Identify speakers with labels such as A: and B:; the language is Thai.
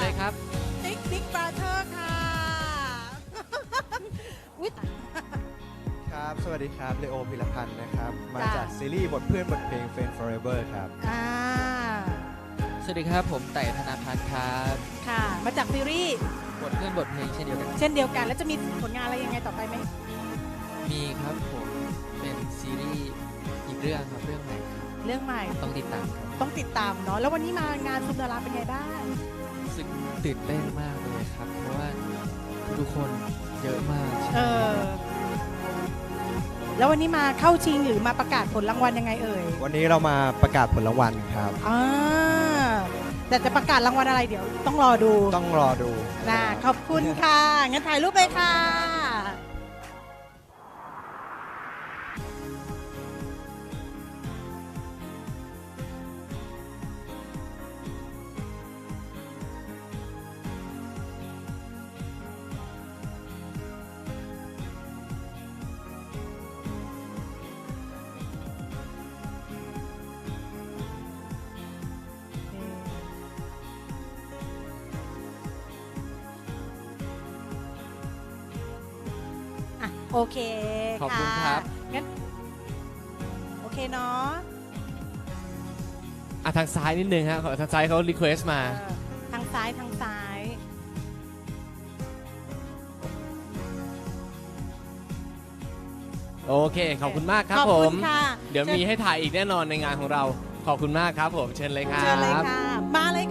A: เลยครับ
B: ติ๊กบราเธอร์ค่ะอุ๊ย
C: ครับ สวัสดีครับเลโอพิรพันธ์นะครับ มา
B: จ้ะ
C: จากซีรีส์บทเพื่อนบทเพลง Friend Forever ครับ
B: อ่า
A: สวัสดีครับผมไต่ธนาพัฒน์ครับ
B: ค่ะ มาจากซีรีส์
A: บทเพื่อนบทเพลงเช่นเดียวกัน
B: เช่นเดียวกัน แล้วจะมีผลงานอะไรยังไงต่อไปไหม
A: มีครับผมเป็นซีรีส์อีกเรื่องครับเรื่องใหม่ครับ
B: เรื่องใหม่
A: ต้องติดตามครับ
B: ต้องติดตามเนาะ แล้ววันนี้มางานซุมดาราเป็นไงบ้าง
A: รู้สึกตื่นเต้นมากเลยครับ เพราะว่าทุกคนเยอะมาก
B: เออ แล้ววันนี้มาเข้าชิงหรือมาประกาศผลรางวัลยังไงเอ่ย
C: วันนี้เรามาประกาศผลรางวัลครับ
B: อ่าแต่จะประกาศรางวัลอะไรเดี๋ยวต้องรอดู
C: ต้องรอดู
B: นะขอบคุณค่ะ งั้นถ่ายรูปเลยค่ะ อ่ะโอเค
A: ขอบคุณครับ
B: งั้นโอเคเนาะ
D: ทางซ้ายนิดนึงฮะทางซ้ายเขารีเควสมา
B: เออทางซ้ายทางซ้าย
D: โอเค ขอบคุณมากครับ
B: ขอบ
D: ผ
B: คุ
D: ม
B: ณค่ะ
D: เดี๋ยวมีให้ถ่ายอีกแน่นอนในงานของเรา ขอบคุณมากครับผม เชิญเลยครับ
B: เชิญเลยค่ะ มาเลยค่ะ